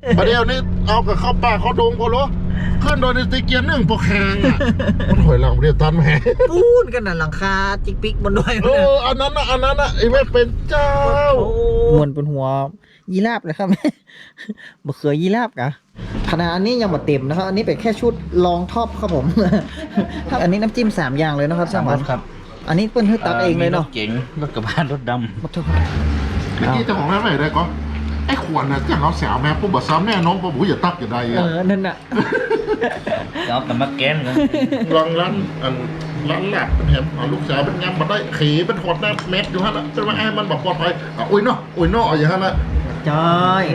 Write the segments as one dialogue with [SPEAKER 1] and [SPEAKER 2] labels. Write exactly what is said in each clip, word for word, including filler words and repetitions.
[SPEAKER 1] ประเดี๋ยวนี้เอากับเข้าป่าเข้าดงพอรู้ขึ้นโดยในตีเกียร์หนึ่งโปรแข่งอ่ะมันถอยหลังประเดี๋ยวตันแหม
[SPEAKER 2] ปูนกันน่ะหลังคาจิกปิกบนด้วย
[SPEAKER 1] เอออันนั้นนะอันนั้นนะไอ้แม่เป็นเจ้าม
[SPEAKER 2] วนเป็นหัวยีราฟเลยครับ มะเขือยีราฟกะขนาดอันนี้ยังหมดเต็มนะครับอันนี้เป็นแค่ชุดลองท็อปครับผม อันนี้น้ำจิ้มสามอย่างเลยนะครับช่างวันครับอันนี้เปิ้ลให้ตักเองเลยเนาะ
[SPEAKER 3] รถเก๋งรถกระบะรถดำ
[SPEAKER 2] มาเถอะ
[SPEAKER 1] เมื่อกี้เจ้าของร้านไหนได้ก็ไอ้ขวดน่ะจังเอาแสวแม่ปุ๊บบอกซ้ำแน่น้องปุ๊บหูอย่าตักอย่าใด
[SPEAKER 2] เอ
[SPEAKER 1] อ่ะ
[SPEAKER 2] อนั่นน่ะ
[SPEAKER 3] เอาแต่มาแกนกัน
[SPEAKER 1] ลองร้านอันร้านแหลกเป็นแหมเอาลูกสาวเป็นงามมาได้ขี่เป็นถอดหน้าเม็ดอยู่ฮะนะจนว่าไอ้มันบอกปลอดภัยอ่ะอุ้ยเนาะอุ้ยเนาะอย่างนั้นนะ
[SPEAKER 2] จอย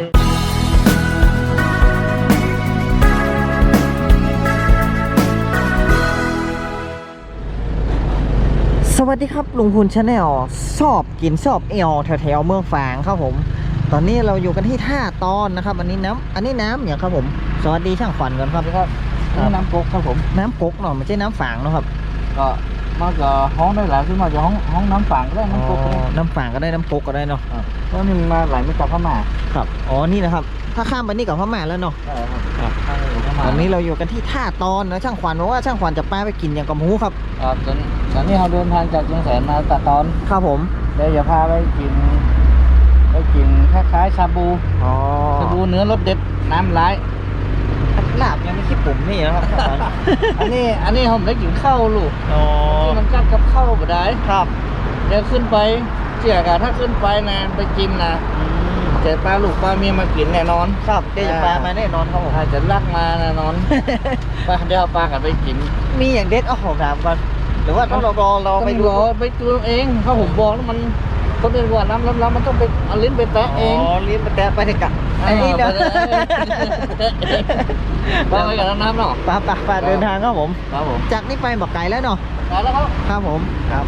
[SPEAKER 2] สวัสดีครับลุงพูนชาแนลชอบกินชอบเอลแถวๆเมืองฝางครับผม ตอนนี้เราอยู่กันที่ท่าตอนนะครับ อันนี้น้ำอันนี้น้ำอย่างครับผมสวัสดีช่างขวัญก่อนครับครับ
[SPEAKER 3] นี่น้ำก๊กครับผม
[SPEAKER 2] น้ำกกเนาะไม่ใช่น้ำฝางเนาะครับ
[SPEAKER 3] ก็มาจะห้องได้หลายขึ้นมาจะห้องห้องน้ำฝางก็ได้น้ำก๊กก็ได้
[SPEAKER 2] น้ำฝางก็ได้น้ำกกก็ได้เนาะ
[SPEAKER 3] เพราะนี่มันมาไหลไม่กลับเข้ามา
[SPEAKER 2] ครับอ๋อนี่นะครับถ้าข้ามไปนี่กับพม่าแล้วเนาะ
[SPEAKER 3] ใช่ครับข้างนี้เข้ามา
[SPEAKER 2] ตอนนี้เราอยู่กันที่ท่าตอนนะช่างขวัญบอกว่าช่างขวัญจะป้าไปกินอย่างกับหมูครับ
[SPEAKER 3] ครับตอนตอนนี้เราเดินทางจากเชียงแสนมาตะตอน
[SPEAKER 2] ครับผม
[SPEAKER 3] เดี๋ยวจะพาไปกินไปกินคล้ายๆชาบู
[SPEAKER 2] อ๋อ
[SPEAKER 3] ชาบูเนื้อรสเด็ดน้ำร้าย
[SPEAKER 2] ลาบยังไม่คิดปุ่มนี่นะครับ
[SPEAKER 3] อันนี้อันนี้ผมได้กินข้าวลูก
[SPEAKER 2] อ๋อ
[SPEAKER 3] ที่มันกัดกับข้าวบ่ได้
[SPEAKER 2] ครับ
[SPEAKER 3] เดี๋ยวขึ้นไปเจียกะถ้าขึ้นไปนะไปกินนะเจะปลาลูกปลาเมียมากินแน่นอน
[SPEAKER 2] ครับเดี๋ยวจะปลามาแน่นอนครับผม
[SPEAKER 3] ถ้าจะลักมาแน่นอน ปลาเดี๋ยวเอาปลากันไปกิน
[SPEAKER 2] มีอย่างเด็ดเอาของถามก่อนหรือว่าต้องรอรอรอ
[SPEAKER 3] ต้อง
[SPEAKER 2] ไปดู
[SPEAKER 3] รอไปดูเองเพราะผมบอกแล้วมันคนอื่นว่าน้ำล้ำๆมันต้องไปเอาลิ้นไปแตะเอง
[SPEAKER 2] อ๋อลิ้นไปแตะไปถึงกะไอ้นี่เนาะ
[SPEAKER 3] ปลาไปกับน้ำเนาะ
[SPEAKER 2] ปลาปลาปลาเดินทางครับผม
[SPEAKER 3] ครับผม
[SPEAKER 2] จากนี้ไปบอกไก่แล้วเนาะ
[SPEAKER 3] ไปแล้วครับ
[SPEAKER 2] ครับผมครับ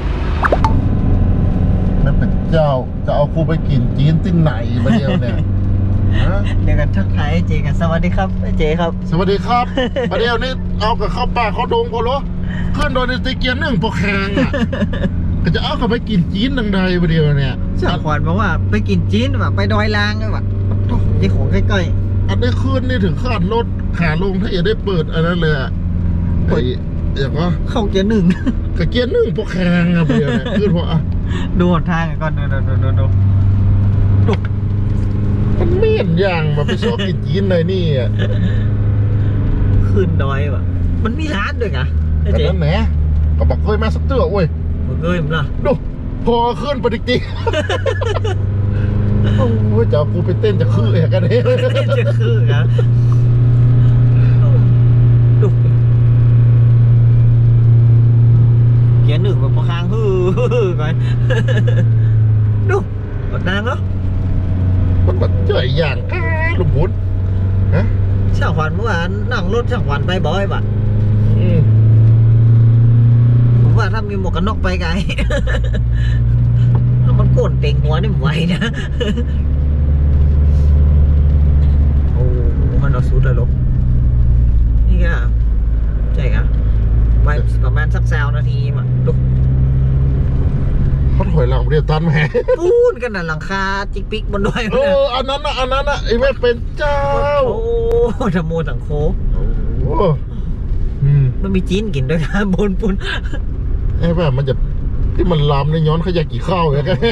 [SPEAKER 1] แม่เป็นเจ้าจะเอาครูไปกินจีนที่ไหนประเดี๋ยวเนี่ยฮะ
[SPEAKER 2] เดี๋ยวกันทักทายไอ้เจกันสวัสดีครับไอ้เจครับ
[SPEAKER 1] สวัสดีครับประเดี๋ยวนี้เอากับเข้าป่าเข้าดงพอรู้ขึ้นโดยในตีเกียร์หนึ่งโปรแข่งอ่ะก็จะเอากับไปกินจีนดังใดประเดี๋ยวเนี่ย
[SPEAKER 2] ช่างขวัญบอกว่าไปกินจีนแบบไปดอยลางเลยว่ะที่ของใกล้
[SPEAKER 1] อันได้ขึ้นนี่ถึงคาดรถขาลงถ้าอย่าได้เปิดอันนั้นเลยอ่ะไอ้อย่างว่า
[SPEAKER 2] ๆเข้าเกียร์หนึ่ง
[SPEAKER 1] กับเกียร์หนึ่งโปรแข่งอ่ะประเดี๋ยวเนี่ยขึ้นเพราะอ่ะ
[SPEAKER 2] ดูหนทางก่อนดูดูดูดูดูดู
[SPEAKER 1] มันเมียนอย่างมาไปชอบกินจีนเลยนี่อ่ะ
[SPEAKER 2] ขึ้นดอยว่ะมันมีร้านด้วยไงไอ้
[SPEAKER 1] แต่
[SPEAKER 2] เจ
[SPEAKER 1] นั้นแหนะก็บอกเคยมาสักเตื้อเว้ย
[SPEAKER 2] มึงเอ้ยมึงล่ะ
[SPEAKER 1] ดูพอขึ้นไปดิกติโอ้ยจะเอากูไปเต้นจะคือเอกกันเนี่ย
[SPEAKER 2] จะคือนะดูเกียร์หนึ่งแบบประคางฮือก่อนดูกดนางเนาะ
[SPEAKER 1] มันแบบเจ๋ยอย่างก้าลุงบุญฮะ
[SPEAKER 2] ช่างขวัญเมื่อวานนั่งรถช่างขวัญไปบ่อยป่ะ
[SPEAKER 1] อืม
[SPEAKER 2] ผมว่าถ้ามีหมวกกันน็อกไปไกล ถ้ามันโกนเต่งหัวนี่มันไหวนะ โอ้มันเอาสุดเลยลูกนี่ก็ใช่ครับไปประมาณสักสาวนาทีมาดู
[SPEAKER 1] เขาถอยหลังเรียบตันแหม
[SPEAKER 2] ปูนกันน่ะหลังคาจิกปิกบนด้วย
[SPEAKER 1] เอออันนั้นนะอันนั้นนะไอ้แม่เป็นเจ้า
[SPEAKER 2] โอ้ธรรมโมสังโค
[SPEAKER 1] โอ้อืม
[SPEAKER 2] มันมีจีนกินด้วยนะบนปูน
[SPEAKER 1] ไอ้แบบมันจะที่มันลามในย้อนขยะกี่ข้าวอย่างเงี้ย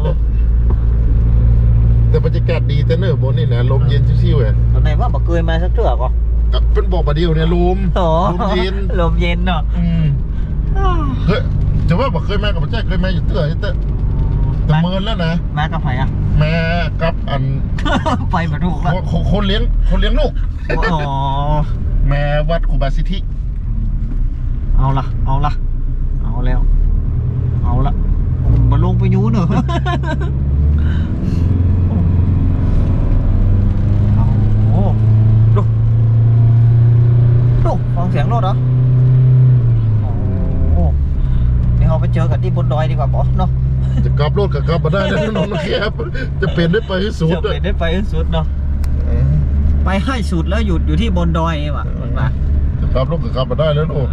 [SPEAKER 1] แต่บรรยากาศดีแต่เนอะบนนี่นะลมเย็นชิวๆอ่ะ
[SPEAKER 2] ตอนไหนว่าบอกเคยมาสักเทื่อก่อน
[SPEAKER 1] เป็นบอกประเดียวเนี่ยลม
[SPEAKER 2] อ๋อ
[SPEAKER 1] ลมเย็น
[SPEAKER 2] ลมเย็นเนาะ
[SPEAKER 1] อืมเฮ้ยจะว่าบอกเคยมากับพระเจ้าเคยมาอยู่เตื้อเตื้อแต่เมินแล้วนะ
[SPEAKER 2] มากับใครอ่ะ
[SPEAKER 1] แม่กับอัน
[SPEAKER 2] ไปมาถูกแล้ว
[SPEAKER 1] คนคนเลี้ยงคนเลี้ยงลูก
[SPEAKER 2] อ๋อ
[SPEAKER 1] แม่วัดครูบาสิทธิ
[SPEAKER 2] เอาละเอาละเอาแล้ว เอาละมาลงไปยูเนอะโอ้ดูดูฟังเสียงรถเหรอโอ้เดี๋ยวเราไปเจอกันที่บนดอยดีกว่าบอสเนาะ
[SPEAKER 1] จะกลับรถกับกลับมาได้นะน้องนะครับจะเป็นได้ไปให้สุด
[SPEAKER 2] จะไปได้ไปให้สุดเนาะไปให้สุดแล้วหยุดอยู่ที่บนดอยว่ะมันมา
[SPEAKER 1] จะกลับรถกับกลับมาได้แล้วลูก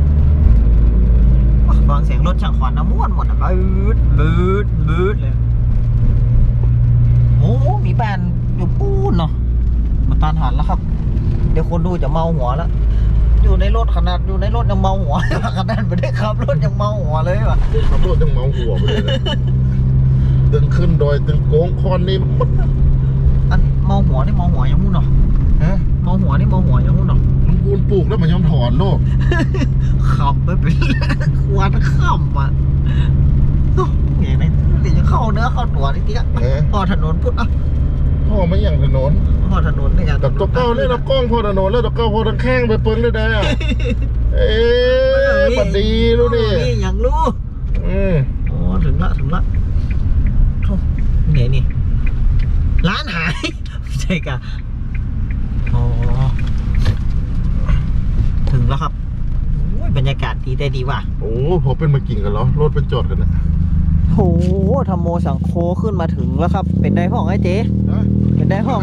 [SPEAKER 2] ฟังเสียงรถช่างขวัญน้ำม้วนหมดอ่ะบืดบืดบืดเลยโอ้มีบ้านอยู่ปูนเนาะมันตานหันแล้วครับ เดี๋ยวคนดูจะเมาหัวแล้ว อยู่ในรถขนาดอยู่ในรถยังเมาหัว ขนาดไม่ได้ขับรถยังเมาหัวเลยว่ะ
[SPEAKER 1] ขับรถยังเมาหัวไปเลยนะตึงขึ้นดอยตึงโค้งคอนนี่มัน
[SPEAKER 2] อันเมาหัวนี่เมาหัวยังงู้นเนาะ
[SPEAKER 1] ฮะ
[SPEAKER 2] เมาหัวนี่เมาหัวยังงู้นเนาะ
[SPEAKER 1] มันกูนปลูกแล้วมันยอมถอนโลก
[SPEAKER 2] ขับไปเป็น ควันขับอ่ะโอ้เงี้ยเนี่ยเดี๋ยวจะเข้าเนื้อเข้าตัวนิดเดียว
[SPEAKER 1] เออ
[SPEAKER 2] พอถนนพุทธอ่ะ
[SPEAKER 1] พ่อไม่อย่างถนน
[SPEAKER 2] พอถนนนี่ไง
[SPEAKER 1] แต่ตัวเก้าเนี่ยเรากล้องพอถนนแล้วตัวเก้าพอทางแข้งไปเปิ้งเลยได้อะเอ๊ะปัดดีรู้ดิ
[SPEAKER 2] นี่อย่างรู้
[SPEAKER 1] อืม
[SPEAKER 2] โอ้ถึงละถึงละโถ่ไหนนี่ร้านหาย ใช่กะอ๋อถึงแล้วครับโอ้ยบรรยากาศดีได้ดีว่ะ
[SPEAKER 1] โอ้พอเป็นมากินกันเหรอรถเป็นจอดกันนะ
[SPEAKER 2] โหธรรมโมสังโคขึ้นมาถึงแล้วครับ เป็นได้ห้องไอ้เจ๊
[SPEAKER 1] ฮะ
[SPEAKER 2] เป็นได้ห้อง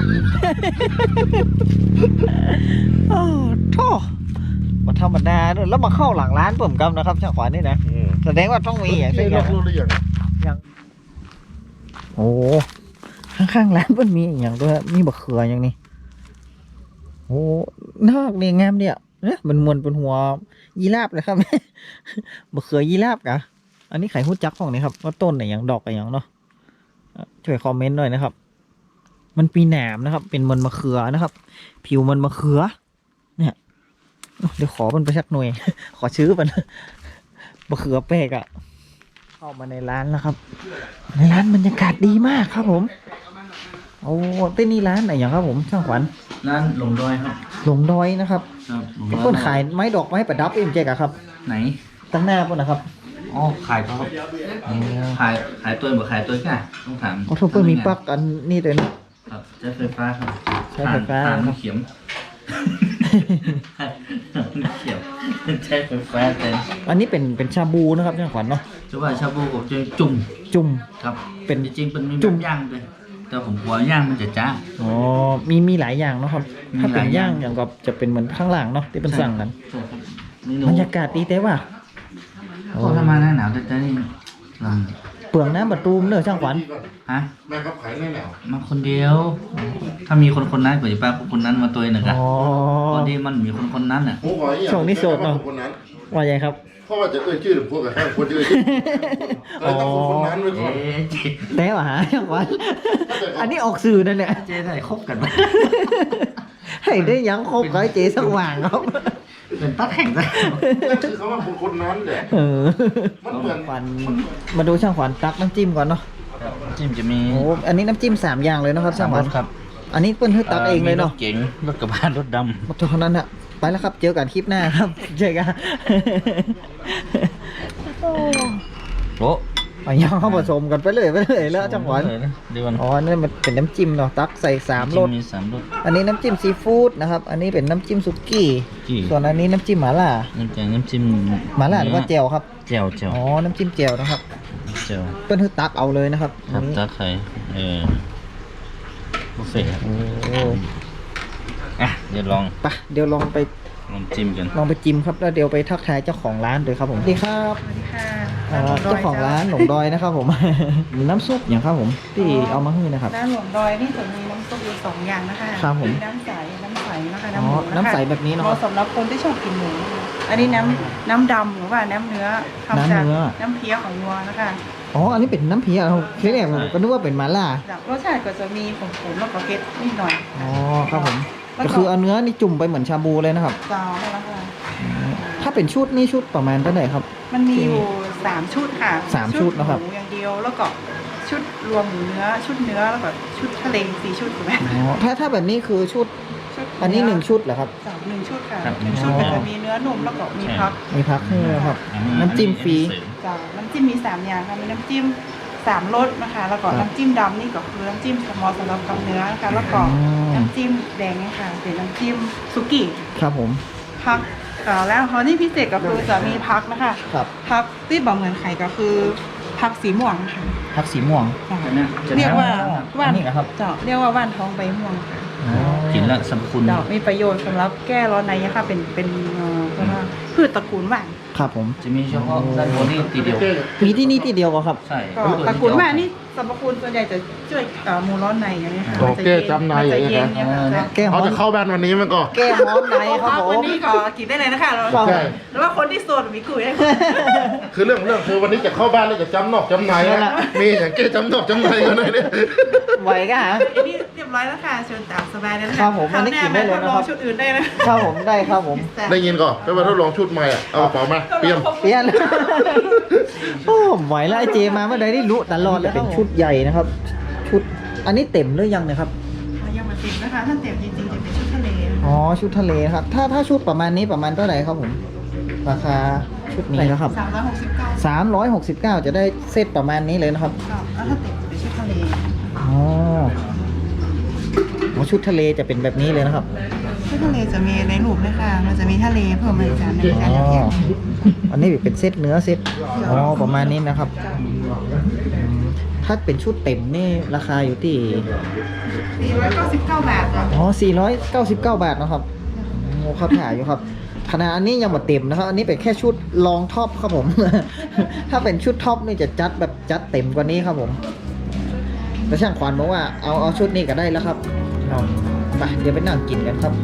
[SPEAKER 2] โอ้โธ่มาธรรมดาด้วยแล้วมาเข้าหลังร้านเปิ่มกำนะครับช่างขวานนี่นะ
[SPEAKER 1] อืม
[SPEAKER 2] แสดงว่าต้องมีอย่าง
[SPEAKER 1] ที่
[SPEAKER 2] เช่น
[SPEAKER 1] รถรู้หรือยัง
[SPEAKER 2] อย่างโอ้ข้างๆร้านมันมีอย่างด้วยมีบะเขืออย่างนี้โอ้นอกเนี่ยงามเนี่ยเนี่ยมันมวนเป็นหัวยีราฟเลยครับ บะเขือยีราฟกะอันนี้ไข่หุ้จักของนี่ครับว่าต้นไหนอย่างดอกอะไรอย่างเนาะอ่ะช่วยคอมเมนต์หน่อยนะครับ มันปีหนามนะครับ เป็นมันมะเขือนะครับ ผิวมันมะเขือ เนี่ยเดี๋ยวขอมันไปสักหน่วย ขอชื่อมัน มะเขือเป๊กอะเข้ามาในร้านแล้วครับ ในร้านบรรยากาศดีมากครับผมโอ้ที่นี่ร้านไหนอย่างครับผมช่างขวัญ
[SPEAKER 3] ร้านหลงดอยครับ
[SPEAKER 2] หลงดอยนะครับ
[SPEAKER 3] ครับหลงดอย
[SPEAKER 2] เพิ่นขายไม้ดอกไม้ประดับเอ็มเจกอะครับ
[SPEAKER 3] ไหน
[SPEAKER 2] ตั้งหน้าเพิ่นนะครับ
[SPEAKER 3] อ๋อขายเขาครับขายขายตัวบ่ขายตัวก่ะต้องถาม
[SPEAKER 2] โอ้ทุกเพิ่นมีปลั๊กอันนี่ด้วยนะครับ
[SPEAKER 3] ใช้ไฟฟ้าครับ
[SPEAKER 2] ใช้ไฟฟ้า
[SPEAKER 3] ถ่าน
[SPEAKER 2] ครับ
[SPEAKER 3] เขียมเขียมใช้ไฟฟ้าแต่
[SPEAKER 2] อันนี้เป็นเป็นชาบูนะครับช่างขวัญเนาะ
[SPEAKER 3] จะว่าชาบูกับจะจุ่ม
[SPEAKER 2] จุ่ม
[SPEAKER 3] ครับ
[SPEAKER 2] เป็น
[SPEAKER 3] จริงๆเป็นมี
[SPEAKER 2] จุ่
[SPEAKER 3] แบ
[SPEAKER 2] ม
[SPEAKER 3] บย่างด้วยแต่ผมกลัวย่างมันจะจ้า
[SPEAKER 2] อ๋อมีมีหลายอย่างเนาะครับ
[SPEAKER 3] มี
[SPEAKER 2] ถ้าเป็น
[SPEAKER 3] หลายอย่า
[SPEAKER 2] ย่าง งอย่างกับจะเป็นเหมือนข้างหลังเนาะที่เป็นสั่งกัน
[SPEAKER 3] ใช่ครับเมนู
[SPEAKER 2] บรรยากาศดีแต่ว่า
[SPEAKER 3] พอถ้ามาหน้าหนาวจะนี่ล
[SPEAKER 2] เปลืองน้ำประตูมเนอะช่างขวัญ
[SPEAKER 3] ำฮะ
[SPEAKER 1] แม่ครับขายแน่แนว
[SPEAKER 3] มาคนเดียว ถ้ามีคนคนนั้นกว่าจะป้าคนนั้นมาตัวหนึ่งอะ
[SPEAKER 2] อ๋อ
[SPEAKER 3] พอดีมันมีคนคนนั้นอ่ะ
[SPEAKER 1] โอ้โหอย่าง
[SPEAKER 2] ช่วงนี้โสดเนอะ
[SPEAKER 1] คนนั้น
[SPEAKER 2] ว่าไงครับ
[SPEAKER 1] เพราะว่าจะเอ่ยชื่อหรือพวกกับแค่คนจะเอ่ยชื่อเลยต้องคนคนนั้นไว้ก่อน
[SPEAKER 3] เอ๊ะเจ๊
[SPEAKER 2] แต่ว่าหาช่างขวัญอันนี้ออกสื่อนั่นแหละ
[SPEAKER 3] เจ๊ได้คบกันไหม
[SPEAKER 2] ให้ได้ยังคบกับไอ้เจ๊สักว่างครับ
[SPEAKER 3] เป็นตัดแข่งได้
[SPEAKER 1] นั่นคือเขาว่าคนคนนั้นแหละ
[SPEAKER 2] เออ
[SPEAKER 1] มันเหมือน
[SPEAKER 2] ขวัญมาดูช่างขวัญตักน้ำจิ้มก่อนเนาะ
[SPEAKER 3] จิ้มจะมี
[SPEAKER 2] โอ้อันนี้น้ำจิ้มสามอย่างเลยนะครับช่างขวัญ
[SPEAKER 3] ครับ
[SPEAKER 2] อันนี้เปิ้ลให้ตักเองเลยเนาะ
[SPEAKER 3] มีรถเก๋งรถกระบะรถด
[SPEAKER 2] หมดเท่านั้นอะไปแล้วครับ เจอกันคลิปหน้าครับ เจอกัน
[SPEAKER 3] ำโอ้
[SPEAKER 2] ไปย่างเข้าผสมกันไปเลยไปเลยแล้วจังหวะ
[SPEAKER 3] เดี๋ยวก่อน
[SPEAKER 2] อ๋อนี่มันเป็นน้ำจิ้มเนาะตักใส่สามรส
[SPEAKER 3] มีสามรส
[SPEAKER 2] อันนี้น้ำจิ้มซีฟู้ดนะครับ อันนี้เป็นน้ำจิ้มสุกี้
[SPEAKER 3] กี้
[SPEAKER 2] ส่วนอันนี้น้ำจิ้มหม่าล่า
[SPEAKER 3] น้ำแกงน้ำจิ้ม
[SPEAKER 2] หม่าล่าหรือว่าเจียวครับ
[SPEAKER 3] เจียวเจียว
[SPEAKER 2] อ๋อ น้ำจิ้มเจียวนะครับ
[SPEAKER 3] เจียว
[SPEAKER 2] เปิ้ลให้ตักเอาเลยนะครับ
[SPEAKER 3] ครั
[SPEAKER 2] อั
[SPEAKER 3] บ
[SPEAKER 2] นนี้
[SPEAKER 3] ตาไข่เออบุฟเฟ่ต์ครับ
[SPEAKER 2] โอ้
[SPEAKER 3] อ่ะเดี๋ยวลอง
[SPEAKER 2] ไปเดี๋ยวลองไป
[SPEAKER 3] ลองจิ้มกัน
[SPEAKER 2] ลองไปจิ้มครับ แล้วเดี๋ยวไปทักทายเจ้าของร้านเลยครับผมสวัสดีครับ
[SPEAKER 4] สวัสดีค่ะ
[SPEAKER 2] อ่าเจ้าของร้านหลงดอยนะครับผม น้ำซุปอย่างครับผมที่เอามาให้นะครับ
[SPEAKER 4] ร้านหลวงดอยนี่จะมีน้ำซุปอยู่สองอย่างนะคะ
[SPEAKER 2] ครับผม
[SPEAKER 4] น้ำใส น้ำใสนะคะ
[SPEAKER 2] อ๋อ
[SPEAKER 4] น้ำหมูนะคะ
[SPEAKER 2] น้ำใสแบบนี้เนอะ
[SPEAKER 4] เหมาะสำหรับคนที่ชอบกินหมูนะคะอันนี้น้ำน้ำดำหรือว่าน้ำเนื้อทำจาก
[SPEAKER 2] น้ำเนื้อ
[SPEAKER 4] น้ำเพี้ยของวัวนะคะ
[SPEAKER 2] อ๋อ อันนี้เป็นน้ำเพียเราทีแรกผมก็นึกว่าเป็นหมาล่า
[SPEAKER 4] จากรสชาติก็จะมีขมๆแล้วก็เผ็ดนิดหน่อย
[SPEAKER 2] อ๋อครับผม
[SPEAKER 4] แล้ว
[SPEAKER 2] ก็คือเอาเนื้อนี่จุ่มไปเหมือนชาบูเลยนะครับ
[SPEAKER 4] จาวนั่นแหละค่ะ
[SPEAKER 2] ถ้าเป็นชุดนี่ชุดประมาณเท่าไหร่ครับ
[SPEAKER 4] มันมีอยู่สามชุดค่ะ
[SPEAKER 2] สามชุดนะครับ
[SPEAKER 4] หมูอย่างเดียวแล้วก็ชุดรวมหมูเนื้อ ชุดเนื้อแล้วก็ชุดทะเลสี่ชุดถูกไหม
[SPEAKER 2] อ๋อ ถ้าถ้าแบบนี้คือชุด
[SPEAKER 4] ชุด
[SPEAKER 2] อันนี้หนึ่งชุดเหรอครับ
[SPEAKER 4] สามหนึ่งชุดค่ะ
[SPEAKER 3] ครับ
[SPEAKER 4] หนึ่งชุด
[SPEAKER 2] อ๋อ
[SPEAKER 4] ก็จะมีเนื้อนุ่มแล้วก็มีพัก
[SPEAKER 2] มีพักให้ด้วยครับ น้ำจิ้มฟรี
[SPEAKER 4] จ้ะน้ำจิ้มมีสามอย่างค่ะมีน้ำจิ้มสามรสนะคะแล้วก็
[SPEAKER 2] ครับ
[SPEAKER 4] น้ำจิ้มดำนี่ก็คือน้ำจิ้มสมอสำหรับกับเนื้อนะคะแล้วก็
[SPEAKER 2] อืม
[SPEAKER 4] น้ำจิ้มแดงเนี่ยค่ะเป็นน้ำจิ้มสุกี้
[SPEAKER 2] ครับผม
[SPEAKER 4] พักเอ่อแล้วเขานี่พิเศษก็คือจะมีพักนะคะ
[SPEAKER 2] ครับ
[SPEAKER 4] พักที่บอกเหมือนไข่ก็คือพักสีม่วงค่ะ
[SPEAKER 2] พักสีม่วง
[SPEAKER 4] จ้ะ
[SPEAKER 3] เนี่ยจะ
[SPEAKER 4] เรียกว่า
[SPEAKER 2] อ๋อ
[SPEAKER 4] ว่าน
[SPEAKER 2] อันนี้เหรอครับ
[SPEAKER 4] เจ้าเรียกว่าว่านท้องใบม่วงค่ะ
[SPEAKER 2] อ๋อ
[SPEAKER 3] กินแล้วสรรพคุณ
[SPEAKER 4] เจ้ามีประโยชน์สำหรับแก้ร้อนในค่ะเป็นเป็นเอ่อเรียกว่าพืชตระกูลว่าน
[SPEAKER 2] ครับผม
[SPEAKER 3] จะมีเฉพาะด้านบนนี่ทีเดียว
[SPEAKER 2] มีที่นี่ที่เดียวก็ครับ
[SPEAKER 3] ใช่
[SPEAKER 4] ก็ตระกูลว่านนี่สรรพคุณส่วนใหญ่จะช่วยเอ่อหมูร้อนในอย่างนี้ยค่ะ
[SPEAKER 1] โอเคจำใน
[SPEAKER 4] มัจะ
[SPEAKER 1] อย่างเงี้
[SPEAKER 4] เย็
[SPEAKER 1] ย
[SPEAKER 4] นเนี่ยค่ะ
[SPEAKER 2] แก้ฮ้
[SPEAKER 1] เขา
[SPEAKER 2] อน
[SPEAKER 1] จะเข้าบ้านวันนี้มันก็
[SPEAKER 2] แก้ฮ้อนในครับผ
[SPEAKER 4] วัน
[SPEAKER 2] ม
[SPEAKER 4] นี้ก็กินได้เลยนะคะเรา
[SPEAKER 1] ใช่
[SPEAKER 4] หรือว่าคนที่โสดมีคุยได้
[SPEAKER 1] คือเรื่องเรื่องคือวันนี้จะเข้าบ้านแล้วจะจำนอกจำใน
[SPEAKER 2] นั่นแห
[SPEAKER 1] นะ
[SPEAKER 2] ละ
[SPEAKER 1] มีอย่างเก้จำนอกจำในกันเลยเนี่ย
[SPEAKER 2] ไหวก็หา
[SPEAKER 4] อันนี้เรียบร้อยแล้วค่ะเชิญตามสบายเลยนะะ
[SPEAKER 2] ครับผมอันนี้กินได้เลยนะครับ
[SPEAKER 4] ทดลองชุดอื่นได้นะครับ
[SPEAKER 2] ผมได้ครับผม
[SPEAKER 1] ได้ยินก่อนไปมาทดลองชุดใหม่อ่ะเอากระเป๋ามาเตรียม
[SPEAKER 2] เปลี่ยน โอ้ไหวแล้วไอเจมาเมื่อใดได้รู้ตลอดเลยเป็นชุดใหญ่นะครับ ชุดอันนี้เต็มหรือยังเนี่ยครับ
[SPEAKER 4] ยังมาเต็มนะคะถ้าเต็มจริงๆจะเป็นชุดทะเล
[SPEAKER 2] อ๋อชุดทะเลครับ ถ้าถ้าชุดประมาณนี้ประมาณเท่าไหร่ครับผม ราคาชุดนี้นะครับ
[SPEAKER 4] สามร้อยหกสิบเก้า
[SPEAKER 2] สามร้อยหกสิบเก้าจะได้เซตประมาณนี้เลยนะครับ
[SPEAKER 4] แล้วถ้าเต็มจะเป็นชุดทะเล
[SPEAKER 2] อ๋ออ๋อชุดทะเลจะเป็นแบบนี้เลยนะครับ
[SPEAKER 4] ชุดทะเลจะมีในรูปด้วยค่ะมันจะมีทะเลเพิ่มมาอีกจานหนึงจาน
[SPEAKER 2] อ๋อ
[SPEAKER 4] เดียว
[SPEAKER 2] อันนี้เป็นเซตเนื้อเซตอ๋อประมาณนี้นะครับอืมถ้าเป็นชุดเต็มนี่ราคาอยู่ที่
[SPEAKER 4] สี่ร้อยเก้าสิบเก้าบาทค่ะ
[SPEAKER 2] อ๋อสี่ร้อยเก้าสิบเก้าบาทนะครับโอ้ครับถ่ายอยู่ครับขนาดอันนี้ยังหมดเต็มนะครับ อันนี้เป็นแค่ชุดรองท็อปครับผม ถ้าเป็นชุดท็อปนี่จะจัดแบบจัดเต็มกว่านี้ครับผมแต่ช่างขวัญบอกว่าเอาเอาชุดนี้ก็ได้แล้วครับเอาไปเดี๋ยวไปนั่งกินกันครับ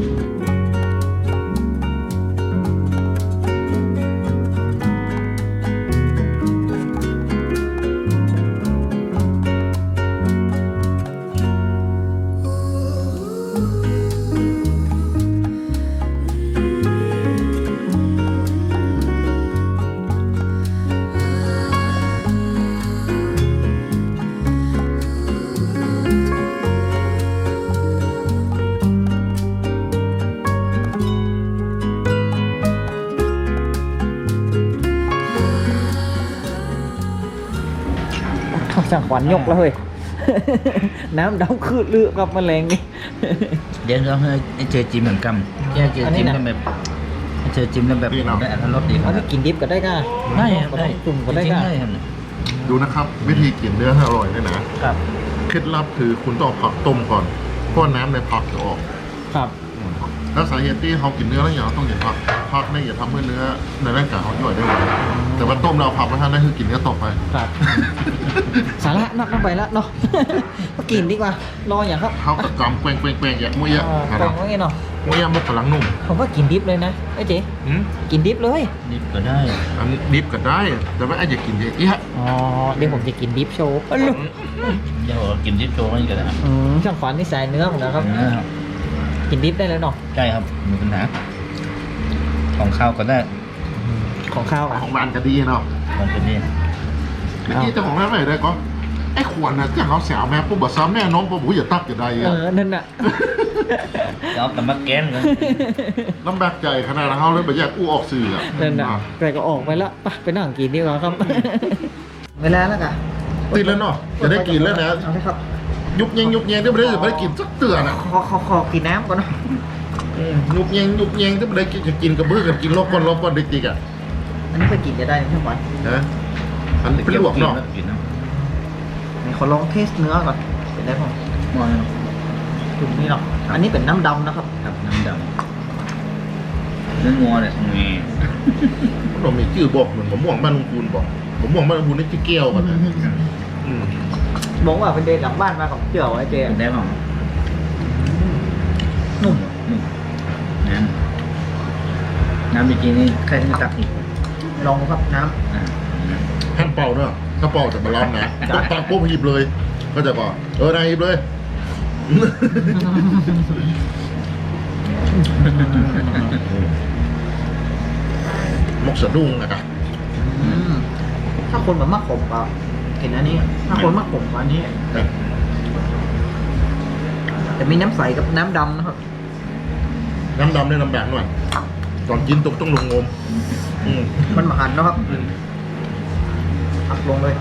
[SPEAKER 2] ช่างขวัญยกแล้วเฮ้ย น้ำดำคืดเลือกกับแมลงนี่
[SPEAKER 3] เดี๋ยวเราให้เจอจิ้มเหมือนกันแค่เจอจิ้มกันแบบเจอจิ้มแล้วแบบได้อัตรสดีค
[SPEAKER 2] อั
[SPEAKER 3] รั
[SPEAKER 2] น
[SPEAKER 3] บ
[SPEAKER 2] นี้กินดิบก็ได้ก้า
[SPEAKER 3] ได้ครับได้
[SPEAKER 2] จุ่มก็ได้
[SPEAKER 3] จริง
[SPEAKER 2] ก้า
[SPEAKER 3] ๆได้ครับ
[SPEAKER 1] ดูนะครับ วิธีกินเนื้อให้อร่อยเนี่ยนะครับ เคล็ดลับคือคุณต้องเอาผักต้มก่อนเพราะน้ำในผักจะออก
[SPEAKER 2] ครับ
[SPEAKER 1] แล้วสาเหตุที่เขากินเนื้อแล้วอย่างเราต้องกินผักผักเนี่ยอย่าทำให้เนื้อในร่างกายเขาย่อยได้หมดแต่ว่าต้มเราผักมาทานได้คือกินเนื้อต่อไป
[SPEAKER 2] ครับ สาระนักน้ำไปแล้วเนาะ มากินดีกว่า รออย่างครับ
[SPEAKER 1] เขาก็กำแกว่งแกว่งแกว่งอย่างมุ้ยอะ
[SPEAKER 2] อ่า
[SPEAKER 1] ค
[SPEAKER 2] แปล
[SPEAKER 1] รับ
[SPEAKER 2] งว่าไงเนาะ
[SPEAKER 1] มุ้ยอะมุกกำลังนุ่ม
[SPEAKER 2] ผมว่ากินดิบเลยนะไอ้เจ๊
[SPEAKER 1] อืม
[SPEAKER 2] กินดิบเลย
[SPEAKER 3] นี่ก็ได้
[SPEAKER 1] อันนี้ดิบก็ได้ แต่ว่าไอ้อย่ากินเยอะอีฮะ
[SPEAKER 2] อ๋อ เดี๋ยวผมจะกินดิบโชว์อ๋อลูก
[SPEAKER 3] เดี๋ยวกินที่โจ้กันก็ได้ครับ
[SPEAKER 2] อืมช่างขวัญนี่สายเนื้อเหมือนกันครับ
[SPEAKER 3] นะครับ
[SPEAKER 2] กินดิบได้เลยเนาะ
[SPEAKER 3] ใช่ครับมีปัญหาของข้าวก็ได้
[SPEAKER 2] ของข้าวอ่ะ
[SPEAKER 1] ของบ้านก็ดีเนาะ
[SPEAKER 3] มันเป็นนี่
[SPEAKER 1] เมื่อกี้เจ้าของร้านไหนได้ก็ไอ้ขวดน่ะจ้างเขาแสวแม่ปุ๊บบอกซ้ำแม่น้องปุ๊บหูอย่าตักอย่าใด
[SPEAKER 2] เอ
[SPEAKER 1] อะ
[SPEAKER 2] อ นั่นน่ะ
[SPEAKER 3] เอาแต่มาแกนกัน
[SPEAKER 1] ลำบากใจขนาดนั้นเขาเลยแบบแยกอู้ออกสื่ออะ
[SPEAKER 2] นั่นน่ะแต่ก็ออกไปแล้วไปไปนั่งกินดีกว่าครับ เวลาแล้วกัน
[SPEAKER 1] ติดแล้วเนาะจะได้กินแล้วนะ
[SPEAKER 2] เอาเลยครับ
[SPEAKER 1] ยุบเยงยุบเยงที่ไม่ได้จะไม่ได้กินสักเตือนอ่ะ
[SPEAKER 2] ขอขอขอกินน้ำก่อนเนาะ
[SPEAKER 1] อืมยุบเยงยุบเยงที่ไม่ได้กินจะกินกระบื้อกันกินลบก้อนลบก้อนดิกๆอ่ะ
[SPEAKER 2] อันนี้ไปกินจะได้ใช่ไหม
[SPEAKER 1] นะอันนี้เป็นลวกเนาะ
[SPEAKER 3] กินนะ
[SPEAKER 2] ไหนขอลองเทสเนื้อก่อน เป็นได้ป่ะ
[SPEAKER 3] มอง
[SPEAKER 2] จุ่มนี่เนาะ อันนี้เป็นน้ำดำนะครับ
[SPEAKER 3] ครับน้ำดำเนื้องัวเนี่ยมี
[SPEAKER 1] เรามีชื่อบอกเหมือนผมม่วงบ้านลุงคูณบอกผมม่วงบ้านลุงคูณนี่ชื่อแก้วกันนะอืม
[SPEAKER 2] บอกว่าเป็นเดินหลังบ้านมากับเจียวไอ้เจ
[SPEAKER 3] เป็นได้ป่ะ
[SPEAKER 2] นุ่ม
[SPEAKER 3] นุ่มน้ำน้ำจริงๆนี่ใครที่ตักอีก
[SPEAKER 2] ลองดูครับน้
[SPEAKER 3] อ่า
[SPEAKER 1] ท่านเป่าเนาะถ้าเป่าจะมาล้อมนะต้องตักปุ๊บหยิบเลย ก็จะบอกเออนายหยิบเลย มกสะดุ้งนะครับ
[SPEAKER 2] ำอืมถ้าคนแบบมะขมก็เห็นอันนี้ ถ้าคนมะขมก็อันนี้ จะมีน้ำใสกับน้ำดำนะครับ
[SPEAKER 1] น้ำดำเนี่ยน้ำแดงหน่อยก่อนกินตกต้องลงงมอืม
[SPEAKER 2] มันมาหันนะครับอักลงเลย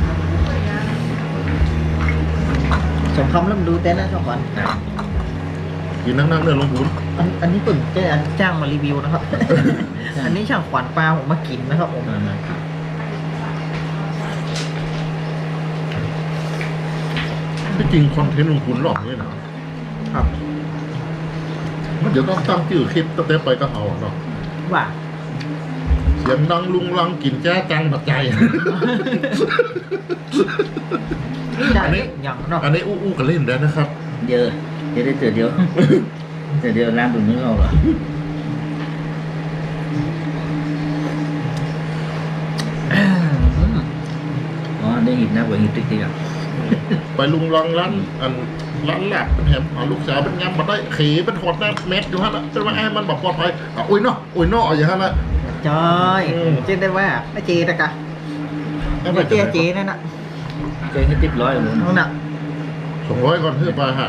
[SPEAKER 2] สงคำเริ่มดูเต้นนะช่องก่อน
[SPEAKER 1] กินนั่งๆเนี่ยลงทุน
[SPEAKER 2] อันอันนี้ตุ่นแกอันจ้างมารีวิวนะครับ อันนี้ช่างขวัญปลาผมมากินนะครับผม
[SPEAKER 3] มามา
[SPEAKER 1] ที่จริงคอนเทนต์ลงทุนหลอกเลยนะครับ มันเดี๋ยวต้องตั้งชื่อคลิปตั้งแต่ไปก็เอาเนาะ
[SPEAKER 2] ว่า
[SPEAKER 1] สเสียงดังลุงลังกินแจ้จังปัจจัย
[SPEAKER 2] ได้
[SPEAKER 1] อันนี้
[SPEAKER 2] อย่างเนาะ
[SPEAKER 1] อันนี้อู้อู้กันเล่นได้นะครับ
[SPEAKER 3] เยอะเดี๋ยวได้เจอเดียวเจอเดียวร้านดูเนื้อเราเหรออ๋อได้หินนะกว่าหินติ๊กติ๊กอ่ะ
[SPEAKER 1] ไปลุงลังร้านอันร้านแหลกเป็นแถมเอาลูกสาวเป็นงามมาได้ขี่เป็นหอดหน้าเม็ดอยู่ฮะละจนว่าไอ้มันบอกปลอดภัยอ่ะอุ้ยเนาะอุ้ยเนาะอย่างนั้นละ
[SPEAKER 2] จอยเจนได้ว่าไม่เจตะกะ
[SPEAKER 1] ไอ้ไป
[SPEAKER 2] ไม่เจ
[SPEAKER 1] จะ
[SPEAKER 2] เจนั่นน่ะ
[SPEAKER 3] เจอให้ติ๊บร้อยเลย
[SPEAKER 2] นั่นน่ะ
[SPEAKER 1] สองร้อยก่อนเพื่อไปฮะ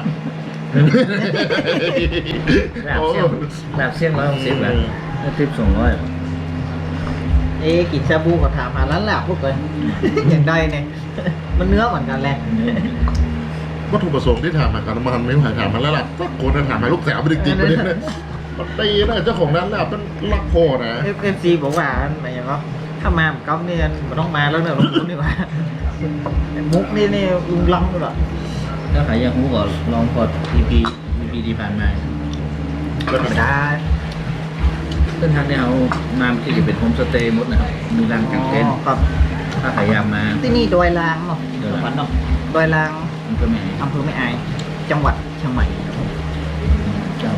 [SPEAKER 3] แบบเสี่ยงแบบเสี่ยงร้อยหกสิบแบบติ๊บสองร้อย
[SPEAKER 2] เอ๊ะกินชาบูก็ถามหาร้านหลับพวกเลย อย่างใดเนี่ยมันเนื้อเหมือนกันแหละ
[SPEAKER 1] วัตถุประสงค์ที่ถามมากันมันไม่ผ่านถามมาแล้วล่ะก็คนถามมาลูกสาวไปติ๊กๆประเด็นเลยมันตีนะเจ้าของร้านแหลกเป็นลักพอนะ
[SPEAKER 2] เอฟเอฟซีบอกว่าอะไรอย่างเงี้ยถ้ามาก๊อฟเนี่ยมันต้องมาแล้วเนอะลุงมุกนี่ว่ามุกนี่นี่ลุงลังด้วย
[SPEAKER 3] ถ้าใครอยากรู้ก็ลองกด อี พี อี พี ที่ผ่านมา
[SPEAKER 2] ไม่ได้
[SPEAKER 3] เส้นทางที่เรามาที่จะเป็นโฮมสเตย์หมดนะครับมีร้านกางเต็นท์
[SPEAKER 2] ครับ
[SPEAKER 3] ถ้าใครอยากมา
[SPEAKER 2] ที่นี่ดอยลางเนาะ
[SPEAKER 3] ดอยลาง
[SPEAKER 2] จังหวัดเนาะดอยลาง
[SPEAKER 3] มันก็ไม่ให้
[SPEAKER 2] อำเภอแม่อายจังหวัดเชียงใหม่
[SPEAKER 3] เจ้า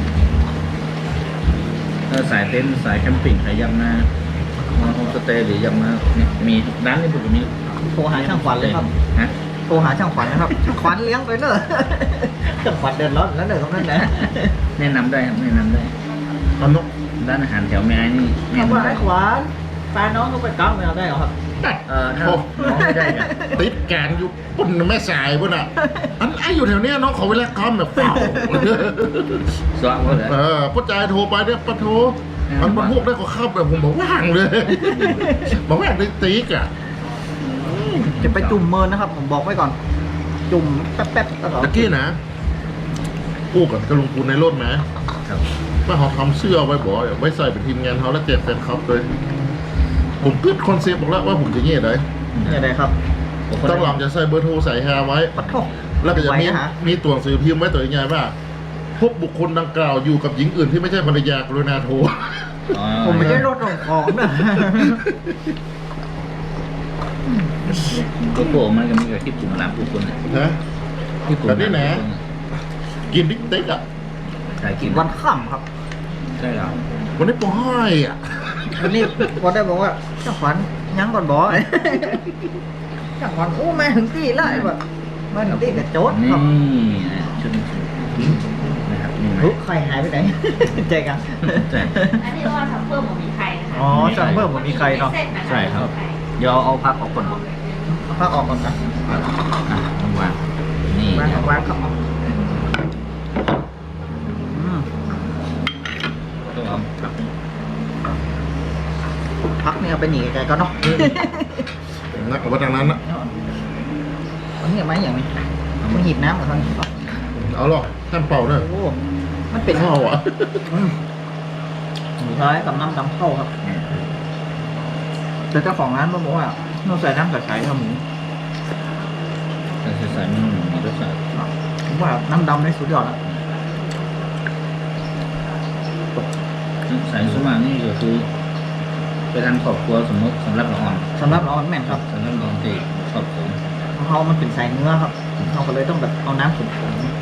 [SPEAKER 3] ถ้าสายเต็นท์สายแคมปิ้งใครอยากมามาโฮมสเตย์หรืออยากมาเนี่ยมีร้านนี้ผมมี
[SPEAKER 2] โทรหาช่างขวัญเลยครับ
[SPEAKER 3] ฮะ
[SPEAKER 2] โทรหาช่างขวัญนะครับ ช่างขวัญเลี้ยงไปเนอะ ช่างขวัญเดินรถแล้วเนอะตรงนั้นนะ
[SPEAKER 3] แนะนำได้ครับแนะนำได้
[SPEAKER 1] ตอนนก
[SPEAKER 3] ร้านอาหารแถวแม่นี่แนะ
[SPEAKER 2] คำว่าน
[SPEAKER 3] ำได้
[SPEAKER 2] ไอ้ขวัญปลาน้องเขาไปก๊อฟไม่เอาได้เหรอครับ
[SPEAKER 3] เอ่อถ้าน้องไม่ได้เนี่ย
[SPEAKER 1] ติดแกนอยู่ปุ่นแม่สายปุ่นอ่ะอันไอ้อยู่แถวเนี้ยน้องขอเวลาคอมแบบเฝ้า
[SPEAKER 3] สว่างก็เลย
[SPEAKER 1] เออพ่อใจโทรไปเนี่ยปะโทรมันมันพวกได้ก็เข้าแบบผมบอกว่างเลย บอกว่างได้ติ๊กอ่ะ
[SPEAKER 2] จะไปจุ่มเมินนะครับ ผมบอกไว้ก่อน จุ่มแป๊บๆแล้วก็
[SPEAKER 1] ตะกี้นะกู้กับกระลุงปูนในรถไหม
[SPEAKER 3] ครับ
[SPEAKER 1] ว่าเขาทำเสื้อไว้บอกไว้ใส่เป็นทีมงานเขาแล้วแจกแฟนคลับเลยผมกึดคอนเซปต์บอกแล้วว่าผมจะเงี้ยได้
[SPEAKER 2] อย่างไรครับ
[SPEAKER 1] ตั้งหลังจะใส่เบอร์โทรใส่แฮร์ไว้
[SPEAKER 2] ปัดโทษ
[SPEAKER 1] แล้วก็จะมี
[SPEAKER 2] ไว้นะฮะ
[SPEAKER 1] มีตัวหนังสือพิมพ์ไว้ตัวยังไงว่าพบบุคคลดังกล่าวอยู่กับหญิงอื่นที่ไม่ใช่ภรรยากรุณาโทร
[SPEAKER 3] อ๋อ
[SPEAKER 2] ผมไม่ได้รถส่งของนะ
[SPEAKER 3] ก็โผล่มันก็มีกับที่ปุ่มร้านผู้คนเนี่ย
[SPEAKER 1] นะ
[SPEAKER 3] ที่ปุ่ม
[SPEAKER 1] แบบนี้นะ กินบิ๊กเต็กอ่ะ
[SPEAKER 3] ใช่กิน
[SPEAKER 2] วันค่ำครับ
[SPEAKER 3] ใช่แล้ว
[SPEAKER 1] วันนี้ปอห้อยอ่ะ
[SPEAKER 2] วันนี้วันได้บอกว่าช่างขวัญยังก่อนบอก ช่างขวัญโอ้มาถึงที่แล้วไอ้แบบมาถึงที่กับโจ๊ด
[SPEAKER 3] นี่
[SPEAKER 2] ครับ
[SPEAKER 3] นะชุดนี้นะครับนี่นะ
[SPEAKER 2] เฮ้ยใครหายไปไหน ใจกัน
[SPEAKER 3] ใช่
[SPEAKER 5] อันนี้ว่าทำเพิ่มมันมีใครนะคะ
[SPEAKER 2] อ๋อสั่งเพิ่มผมมีใครเนาะ
[SPEAKER 3] ใช่ครับ เดี๋ยวเอาพักออกก่อน
[SPEAKER 2] เอาผ้าออกก่อนนะ
[SPEAKER 3] อ่ะวางนี่
[SPEAKER 2] วางวางครับอืม
[SPEAKER 3] ต้องเอาพัก
[SPEAKER 2] พักนี่เอาไปหนีไกลๆก็เนาะ
[SPEAKER 1] นักกับว่าทางนั้นนะ
[SPEAKER 2] อันนี้เอาไม้อย่างนี้มันหีบน้ำกับทางนี้
[SPEAKER 1] เอาหรอกแท่นเป่าเนี่ย
[SPEAKER 2] โอ้มันเป็น
[SPEAKER 1] ข้าวอ่ะ
[SPEAKER 2] อืมหมูร้ายกับน้ำดำเข้าครับแต่เจ้าของร้านบอกว่าเราใส่น้ำใสๆครับหมู
[SPEAKER 3] แต่ใส่ๆมันมีรสชาติ
[SPEAKER 2] ผมว่าน้ำดำในสุดยอดแล้ว
[SPEAKER 3] ใส่สมากนี่ก็คือไปทางครอบครัวสมมติสำหรับละอ่อน
[SPEAKER 2] สำหรับเราแม่นครับ
[SPEAKER 3] สำหรับน้องที่ครอบครัว
[SPEAKER 2] เขามันเป็นสายเนื้อครับเราก็เลยต้องแบบเอาน้ำขุ่น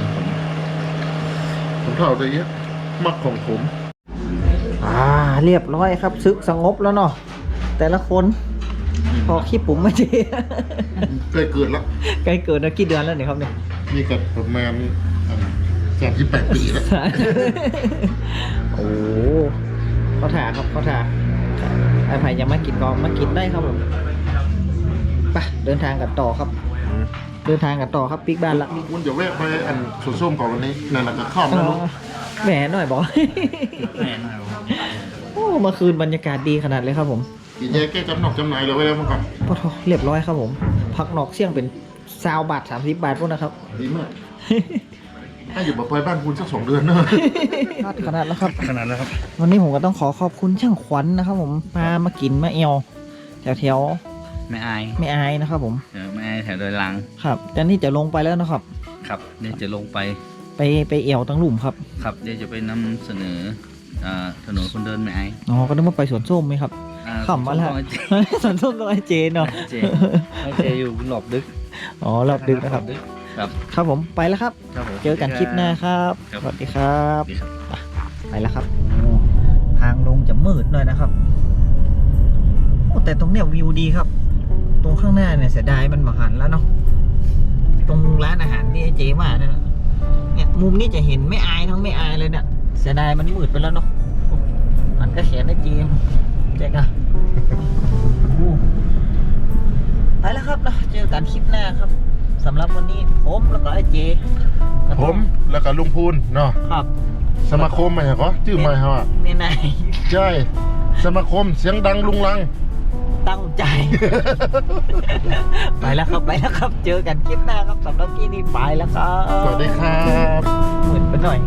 [SPEAKER 1] ผมเท่าจะเยอะมักของผม
[SPEAKER 2] ๆอ่าเรียบร้อยครับซึกสงบแล้วเนาะแต่ละคนพอขี้ปุ๋มไม่ดี
[SPEAKER 1] ใกล้เกิดแล้ว
[SPEAKER 2] ใกล้เกิดนะกี่เดือนแล้วเนี่ยครับเนี่ย
[SPEAKER 1] นี่ก็ประมาณสามสิบแปดปีแล้ว
[SPEAKER 2] โอ้เขาถ่าครับเขาถ่าไอ้ไผ่ยังมากินก็มากินได้ครับผมไปเดินทางกันต่อครับ เดินทางกันต่อครับปิกบ้านละ
[SPEAKER 1] คุณเดี๋ยวแวะไปอันสวนส้มก่อนวันนี้นั่นแหละก็ข้ามแล้วลูก
[SPEAKER 2] แหมหน่อยบอก
[SPEAKER 3] แม่นครับ
[SPEAKER 2] โอ้เมื่อคืนบรรยากาศดีขนาดเลยครับผม
[SPEAKER 1] กินแยกแก้จำหนอกจำหนายเลยไว้แล้วเมื่อก่อน
[SPEAKER 2] พอทอเรียบร้อยครับผม พักนอกเสี่ยงเป็นซาวบาทสามสิบบาทพวกนะครับ
[SPEAKER 1] ดีมากถ้าอยู่แบบไปบ้านคุณสักสองเดือนเนอะ
[SPEAKER 2] ขนาดแล้วครับ
[SPEAKER 1] ขนาดแล้วครับ
[SPEAKER 2] วันนี้ผมก็ต้องขอขอบคุณช่างขวัญนะครับผมพามากินมาเอวแถวแถว
[SPEAKER 3] ไม่อาย
[SPEAKER 2] ๆไม่อายนะครับผม
[SPEAKER 3] เดี๋ยวไม่อายแถวโดยลัง
[SPEAKER 2] ครับแต่นี่จะลงไปแล้วนะครับ
[SPEAKER 3] ครับเดี๋ยวจะลงไป
[SPEAKER 2] ไปไปเอวตั้งหลุมครับ
[SPEAKER 3] ครับเดี๋ยวจะไปนำเสนออ่าถนนคนเดินไม่ไอ
[SPEAKER 2] อ๋อก็นึกว่าไปสวนส้มไหมครับ
[SPEAKER 3] อ่า
[SPEAKER 2] ขำมาแล้ว
[SPEAKER 3] สวนส้ม
[SPEAKER 2] สวนส้มต้องไอเจนเนาะ
[SPEAKER 3] เจไอเจอยู่หลบดึก
[SPEAKER 2] อ๋อรอบดึกนะครับ
[SPEAKER 3] ครับ
[SPEAKER 2] ครับผมไปแล้วครับ
[SPEAKER 3] ครับผม
[SPEAKER 2] เจอกันคลิปหน้าครับ
[SPEAKER 3] ครับ
[SPEAKER 2] สวัสดีครับ
[SPEAKER 3] สวัสดีครับ
[SPEAKER 2] ไปแล้วครับทางลงจะมืดหน่อยนะครับโอ้แต่ตรงเนี้ยวิวดีครับ ตรงข้างหน้าเนี่ยเสียดายมันมาหันแล้วเนาะตรงร้านอาหารที่ไอเจว่าเนี่ยนะเนี่ยมุมนี้จะเห็นไม่อายทั้งไม่อายเลยเนี่ยเสียดายมันมืดไปแล้วเนาะมันก็แขนไอเจมเจ๊กอะโอ้ไปแล้วครับนะเจอกันคลิปหน้าครับสำหรับวันนี้ผมแล้วก็ไอเจก็ต้อง
[SPEAKER 1] ผมแล้วก็ลุงพูนเนาะ
[SPEAKER 2] ครับ
[SPEAKER 1] สมาคมอะไรก็ชื่อไม่ฮะ
[SPEAKER 2] เมียนาย
[SPEAKER 1] ใช่สมาคมเสียงดังลุงลัง
[SPEAKER 2] ตั้งใจ ไปแล้วครับไปแล้วครับ เจอกันคลิปหน้าครับสำหรับที่นี่ไปแล้วครับ
[SPEAKER 1] สวัสดีครับ
[SPEAKER 2] เหมือนไปหน่อย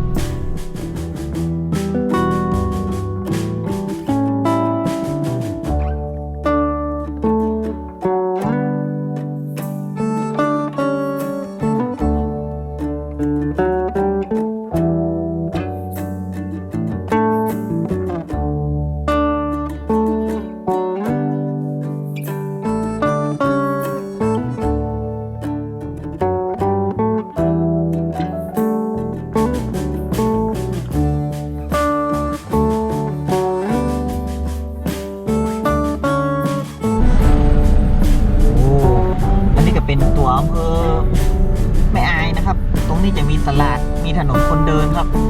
[SPEAKER 2] โอ้อันนี้ก็เป็นตัวอำเภอแม่อายนะครับ ตรงนี้จะมีตลาดมีถนนคนเดินครับ